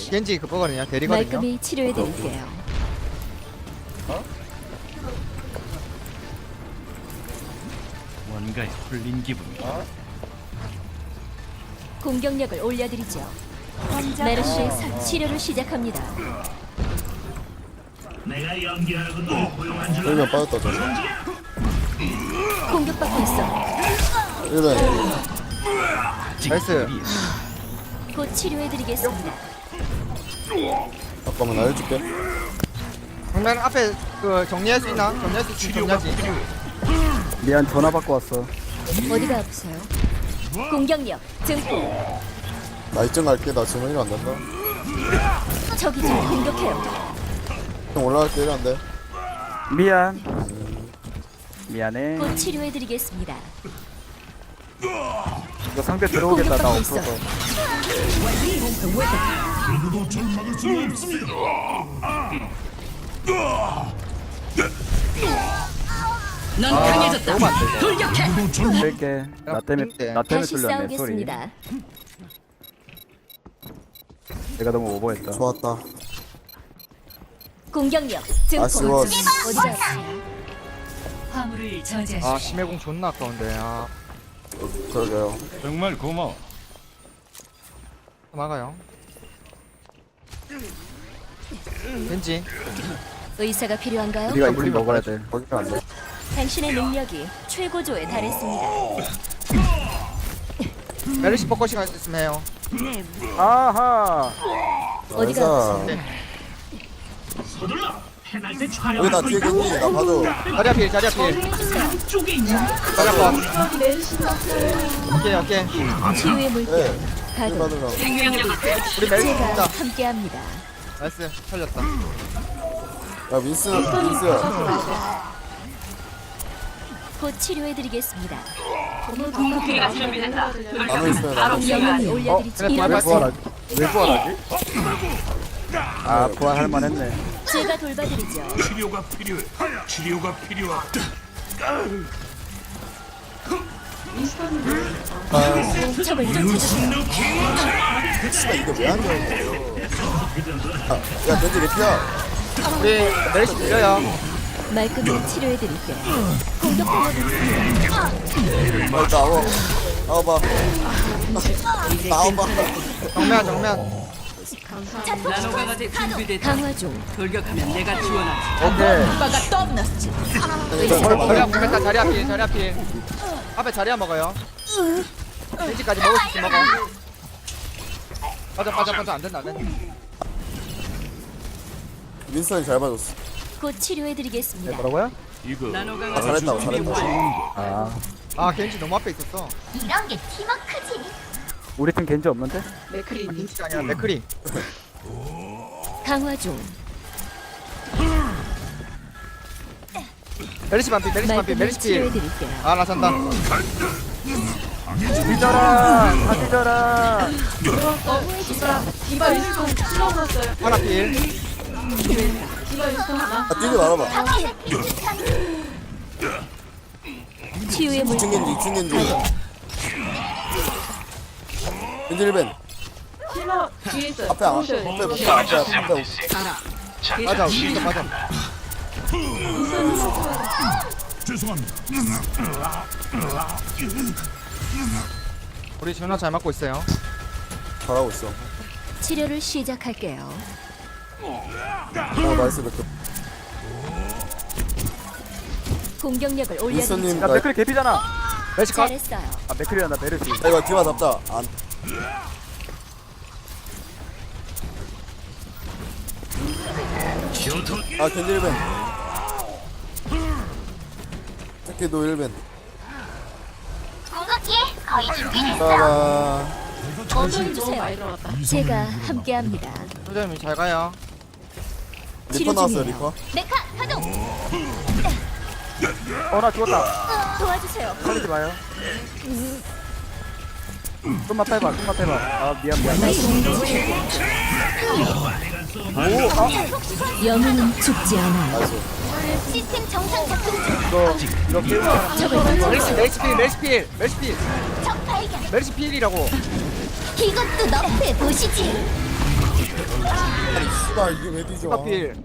겐지 그거거든요. 대리거든요. 말끔히 치료해드릴게요. 뭔가에 홀린 기분. 공격력을 올려드리죠. 메르시의 치료를 시작합니다. 내가 연기하는 것도 고용한 줄 일면 빠졌다 저는. 공격받고 있어. 일면 나이스. 곧 치료해드리겠습니다. 잠깐만 나 해줄게. 정면 앞에 그 정리할 수 있나? 정리할 수 있으면 정리하지. 미안 전화 받고 왔어. 어디가 아프세요? 공격력 증폭. 나 이쯤 갈게. 나 지금 일 안 된다. 적이 좀 공격해요. 형 올라갈게. 일 안 돼. 미안. 미안해. 곧 치료해드리겠습니다. 이거 상대 들어오겠다. 나 공격받고 있어. 없어서. 누구도 절 막을 수는 없습니다. 넌 강해졌다. 너무 안 돼. 누구도 절 막- 뺄게. 나 때문에 다시 뚫렸네 소리. 싸우겠습니다. 내가 너무 오버했다. 좋았다. 공격력 증폭. 아쉬워. 어디가 아프세요? 화물을 저지하십시오. 아 심해공 존나 아까운데. 아 그러게요. 정말 고마워. 막아요. 겐지. 의사가 필요한가요? 우리가 이걸 먹어야 돼. 거기가 안 돼. 당신의 능력이 최고조에 달했습니다. 메르시 포커 시간 있으면 해요. 아하. 어디가 나이스. 아프세요? 서둘러. 해날 때 여기 촬영. 나 뒤에 겐지. 나 봐줘. 자리야 필, 자리야 필. 쪽에 있는 자리야 번. 오케이. 치유의 물결 네. 일 가동. 받으라고. 우리 메르시 제가 있다. 함께합니다. 나이스. 살렸다. 야 민스. 곧 치료해드리겠습니다. 나무 있으면 나무. 영혼이 올려드리지. 그래, 왜 부활 일어나세요. 부활하지? 왜 부활하지? 아 부활할 만했네. 제가 돌봐드리죠. 치료가 필요해. 치료가 필요하다. 적을 쫓아주세요. 이게 왜안 돼? 야 겐지 개피야. 우리 메르시 들려요. 말끔히 치료해드릴게요. 공격하고 있습니다. 나와. 나와봐. 나와봐. 정면. 강화 중. 돌격하면 내가 지원하지. 오케이. 자리야 보겠다. 자리야 필. 앞에 자리야 먹어요. 겐지까지 먹을 수 있으면 먹어. 빠져 안 된다. 민스턴이 잘 봐줬어. 곧 치료해드리겠습니다. 뭐라고요? 이거 아, 잘했다. 아 아 겐지 너무 앞에 있었어. 이런 게 팀워크지. 우리 팀 겐지 없는데? 겐지가 아니라 맥크리. 강화 중. 메르시 반피. 말끔히 치료해드릴게요. 아 나 산다. 뒤져라. 다 뒤져라. 하나 필. 아 뛰지 말아봐. 치유의 물결. 2층 겐지. 겐지 1벤. 앞에 맞아. 맞아. 죄송합니다. 우리 전화 잘 맞고 있어요. 잘하고 있어. 치료를 시작할게요. 나이스 맥크. 공격력을 민스턴님 올려드리죠. 야 맥클이 개피잖아. 메르시 컷. 잘했어요. 아 맥클이란다 메르시. 야 이거 뒤만 잡자. 안. 아 겐지 1벤. 새끼도 1벤. 따라. 주세요. 제가 함께합니다. 소장님 잘 가요. 리퍼 치료 나왔어요 중이에요. 리퍼. 메카 가동. 어나 죽었다. 도와주세요. 살리지 마요. 좀만 빼봐. 아 미안. 영웅은 죽지 않아요. 나이스. 시스템 정상 작동 중. 이거 깨우자. 적을 먼저 메르시 필. 적 발견. 메르시 필이라고. 이것도 너프해 보시지. 씨발 이게 왜 뒤져? 디바필.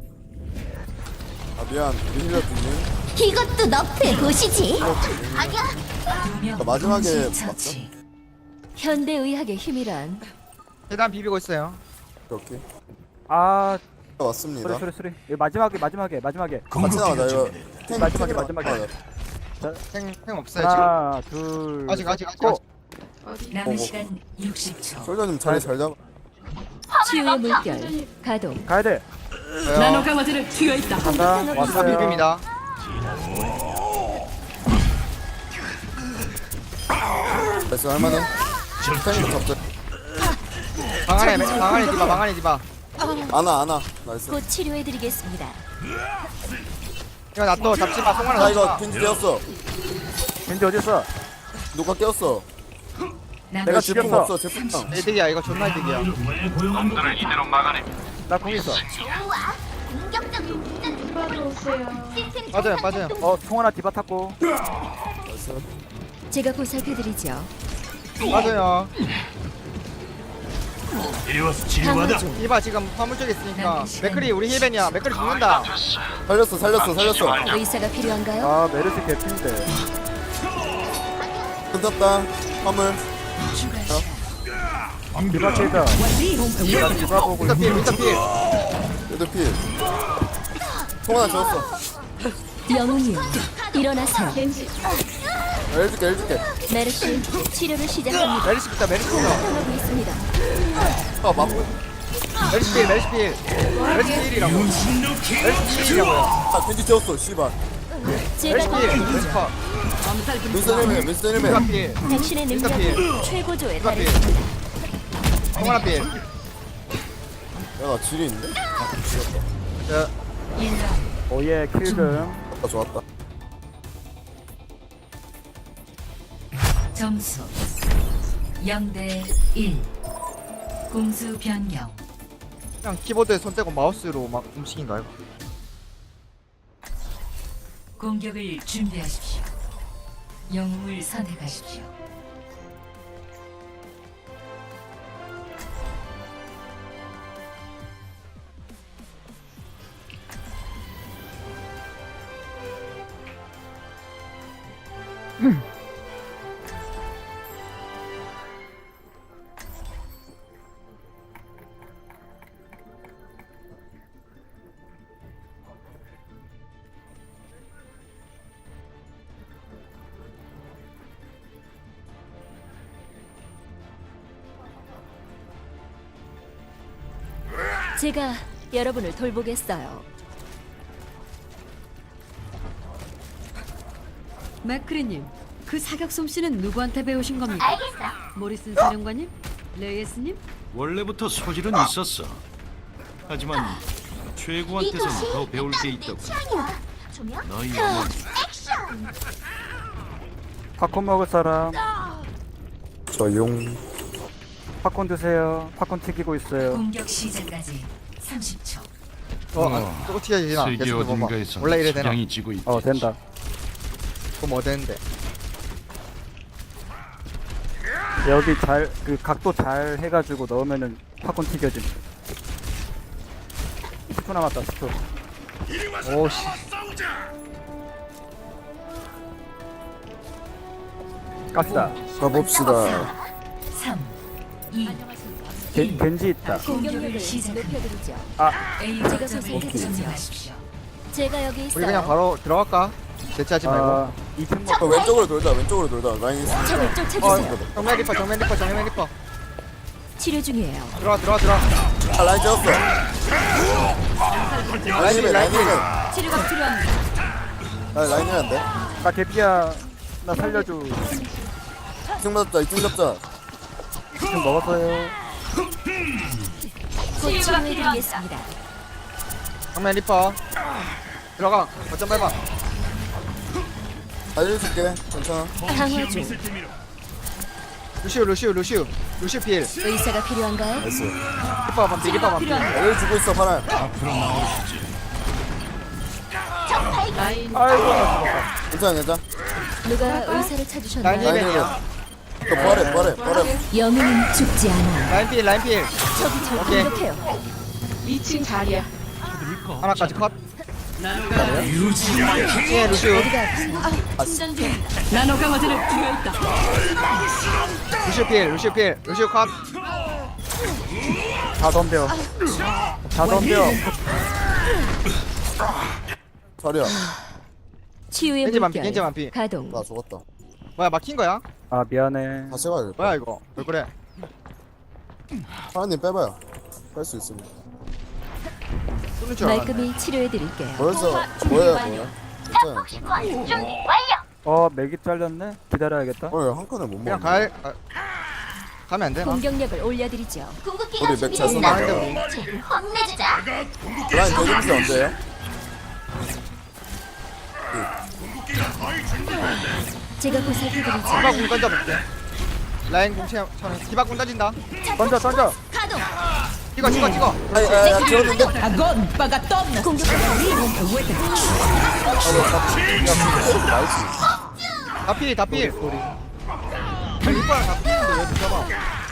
아 미안. 우리 힐러 뒤지. 이것도 너프에 보시지. 아니야. 두명 마지막에 처치. 현대의학의 힘이란 계단 비비고 있어요. 오케이. 아 왔습니다. 소리 이거 마지막에 같이 나가자 이거. 탱 마지막에. 생 없어요 지금. 하나 둘 아직. 고! 남은 시간 60초. 솔저님 자리 잘 잡아. 치유의 물결 가동. 가야돼 나노 강화제를 튀어 있다. 간다 다 왔어요 비빕니다. 나이스 할만해. 탱 잡자. 방 안에 디바. 안아. 나이스. 곧 치료해드리겠습니다. 이거 놔둬 잡지 마. 송환아 자 잡지 이거 마. 겐지 깨웠어. 겐지 어딨어? 누가 깨웠어? 남은 내가 제품 죽였어. 없어. 제품. 이득이야 이거 존나 이득이야. 왜 고용한다? 나 공 있어 빠져요. 통 하나 디바 탔고 나이스. 제가 보살펴드리죠. 맞아요. 이리 와서 치료하다. 디바 지금 화물 쪽에 있으니까. 맥크리 우리 힐벤이야. 맥크리 죽는다. 살렸어. 의사가 필요한가요? 아 메르시 개핀데 끊었다. 화물. 디바 케이다 디바 보고 있어. 윈터필. 얘도 필. 통 하나 줬어. 영웅이요 일어나세요. 해줄게. 메르시 치료를 시작합니다. 메리시부터. 하고 있습니다. 아 맞고. 메리시필이라고. 메리시필이라고요. 아 겐지 재웠어. 씨발. 제가 메리시필. 도와드리죠. 윈스턴 헬멧. 디바필. 당신의 능력은 최고조에 디바필. 달했습니다. 송환아필. 야나 질이 있는데? 저 오예 킬금 아 좋았다. 점수 0대 1. 공수 변경. 그냥 키보드에 손 떼고 마우스로 막 움직인가 이거. 공격을 준비하십시오. 영웅을 선택하십시오. 제가 여러분을 돌보겠어요. 맥크리님, 그 사격 솜씨는 누구한테 배우신 겁니까? 알겠어. 모리슨 사령관님? 레이스님? 원래부터 소질은 있었어. 하지만 최고한테선 더 배울 게 있다고. 너희 어머니 팝콘 먹을 사람 저용. 팝콘 드세요 팝콘 튀기고 있어요 공격 시작까지 30초. 저거 튀어야 되나? 세계 계속 봐봐. 어딘가에서 원래 이래 되나? 석양이 지고 있지. 된다 그럼 뭐 되는데? 여기 잘 그 각도 잘 해가지고 넣으면은 팝콘 튀겨짐 10초 남았다 10초 오씨. 갑시다 가봅시다. 3, 2, 겐지 있다 공격력을 시작합니다. 높여드리죠. A 제가 거점을 선택해드리죠. 점령하십시오. 제가 여기 우리 그냥 있어요. 바로 들어갈까? 대체하지 말고. 아 2층 먹 왼쪽으로 돌자. 라인 있어. 적을 쫓아주세요. 정면 리퍼. 치료 중이에요. 들어와. 아 라인 재웠어. 라인 힐맨. 치료가 필요합니다. 라인 힐맨 안 돼? 나 개피야 나 살려줘 2층 잡자. 2층 먹었어요 곧 치료해드리겠습니다. 정면 리퍼. 들어가. 거점 밟아. 알려줄게. 괜찮아. 강화 중. 루시우 필. 의사가 필요한가요? 나이스. 리퍼 반피. 알려주고 있어 파란. 괜찮아. 누가 의사를 찾으셨나요? 라인 라인 힐맨. 너 버려. 영웅은 죽지 않아요. 라인 필. 적이 절 오케이. 공격해요. 2층 자리야. 하나까지 컷. 유지마. 예, 루시우. 어디가 아프세요? 충전 중이다. 나노 강화제를 투여했다. 루시우 필, 루시우 필, 루시우 컷. 다 덤벼. 다 덤벼. 자리야. 치유의 겐지 만피, 겐지 물결 만피. 가동. 나 죽었다. 뭐야, 막힌 거야? 아 미안해. 다시 가야겠다. 뭐야 이거? 왜 그래? 파란님 빼봐요. 뺄 수 있습니다. 쏘는 줄 알았네. 말끔히 치료해 드릴게요. 뭐였어? 뭐예요? 괜찮아. 맥이 잘렸네. 기다려야겠다. 한 칸을 못 그냥 먹네. 가면 안 되나? 공격력을 올려드리죠. 우리 맥잘 쏜다. 근데 우리 라인 대금스 언제예요? 제가 보살펴드리죠. 디바궁 던져볼게. 라인 궁 채워. 디바궁 던진다. 던져. 찍어. 아야 지웠는데? 다 필. 아니, 이거랑 다 필인데 왜 붙잡아?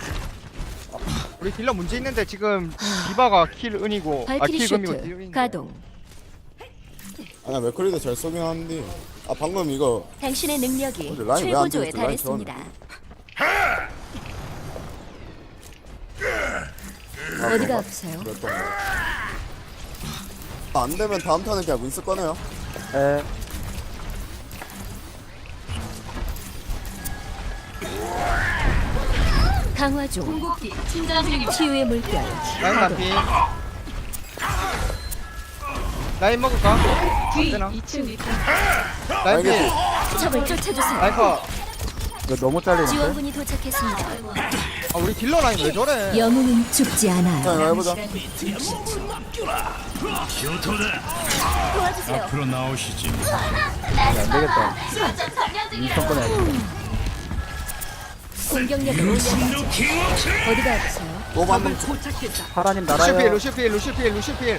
우리 딜러 문제 있는데 지금 디바가 킬 은이고 발키리 킬 금이고 딜 슈트 은인데. 가동. 아니야 맥커리도 잘 쏘긴 하는데 방금 이거 당신의 능력이 근데 라인 왜안 최고조에 들었지? 라인 달했습니다. 어디가 아프세요? 그랬던 거. 안 되면 다음 턴은 그냥 윈스 꺼내요. 에. 강화 중. 궁극기 충전 중이다. 치유의 물결 라인 반피. 라인 먹을까? 안 되나? 2층 리터. 라인 필. 적을 쫓아주세요. 라인 컷. 이거 너무 잘리는데. 지원군이 도착했습니다. 아 우리 딜러 라인 왜 저래? 영웅은 죽지 자 않아요. 이거 해보자. 교토다. 도와주세요. 앞으로 나오시지. 안 되겠다. 인턴 꺼내야겠다. 공격력을 올려드리죠. 어디가 아프세요? 또 방금 도착했다. 파라님 루시필 날아요. 루시필.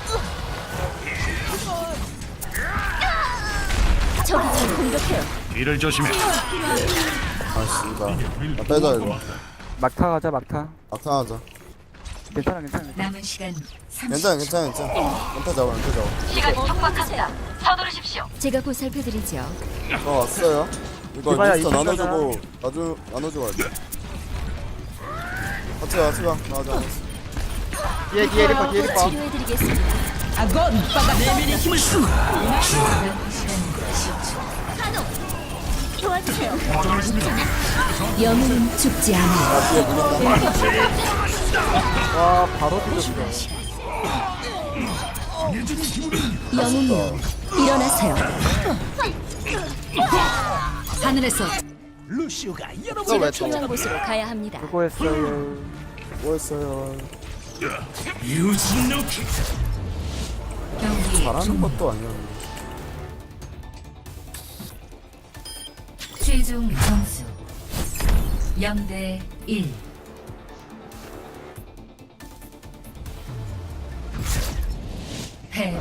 적이 절 공격해요. 뒤를 조심해. 씨발. 빼자 이거. 막타 가자 막타. 악탕하자. 괜찮아. 남은 시간 30초. 괜찮아. 연타 잡아. 시간이 촉박합니다. 서두르십시오. 제가 보살펴드리죠. 저 왔어요. 이거 이봐야, 리스터 이거 나눠주고 나눠주고 할게. 같이 가. 나가자. 뒤에 리퍼. 치료해드리겠습니다. 도와주세요. 영웅은 죽지 않아요. 나 뒤에 물린다. 와 바로 뒤졌어. 영웅이요, 일어나세요. 하늘에서 너왜 제가 또? 필요한 곳으로 가야 합니다. 수고했어요. 뭐했어요? 유진노키. 경기 잘하는 것도 아니야. 최종 점수 0대 1. 패.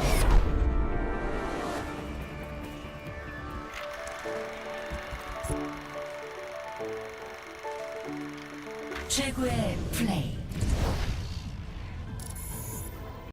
최고의 플레이.